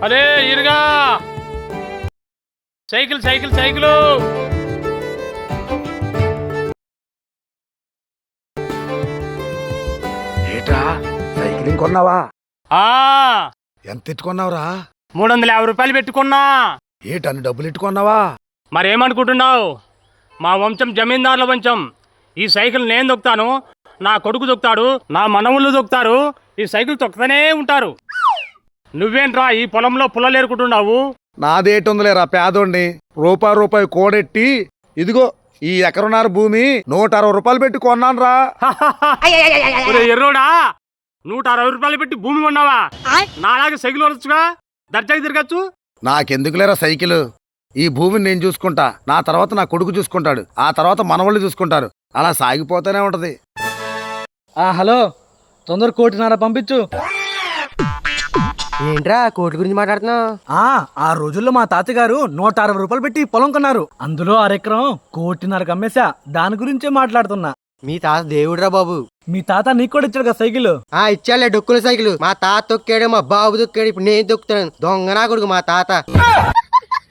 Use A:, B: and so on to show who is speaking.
A: అరే ఇరుగా cycle cycle cycle.
B: ఏటా సైకిలింగ్ కొన్నావా?
A: ఆ
B: ఎంత ఎట్టుకున్నావురా?
A: 350 రూపాయలు పెట్టుకున్నా.
B: ఏటన్ని డబ్బులు ఎట్టుకున్నావా?
A: మరేమనుకుంటున్నావు? మా వంశం జమీందారుల వంశం. ఈ సైకిల్ నేను దొక్కుతాను, నా కొడుకు దొక్కుతాడు, నా మనవుళ్ళు దొక్కుతారు. ఈ సైకిల్ తొక్కుతూనే ఉంటారు. నువ్వేంట్రా ఈ పొలంలో పుల్లలేరుకుంటున్నావు?
B: నాదేటుందిలేరా పేదోడిని. రూపాయి కోడెట్టి ఇదిగో ఈ ఎకరన్నర భూమి 160 రూపాయలు పెట్టి కొన్నాను రా.
A: ఎర్రోడా, 160 రూపాయలు పెట్టి భూమి కొన్నావా? నాలాగే సైకిల్ వరచుగా దర్జాకి తిరగచ్చు.
B: నాకెందుకులేరా సైకిల్? ఈ భూమిని నేను చూసుకుంటా, నా తర్వాత నా కొడుకు చూసుకుంటాడు, ఆ తర్వాత మనవాళ్ళు చూసుకుంటారు. అలా సాగిపోతూనే ఉంటది.
C: హలో, తొందర 1.5 పంపించు.
D: ఏంట్రా కోటి గురించి మాట్లాడుతున్నావు?
C: ఆ రోజుల్లో మా తాతగారు 160 రూపాయలు పెట్టి పొలం కొన్నారు. అందులో అరెకరం 1.5 అమ్మేశా. దాని గురించే మాట్లాడుతున్నా.
D: మీ తాత దేవుడురా బాబు.
C: మీ తాత నీకు కూడా ఇచ్చాడు కదా సైకిల్?
D: ఇచ్చాలే డొక్కుల సైకిల్. మా తాత తొక్కాడు, మా బాబు తొక్కాడు, ఇప్పుడు నేను తొక్కుతాను. దొంగ నా కొడుకు మా తాత.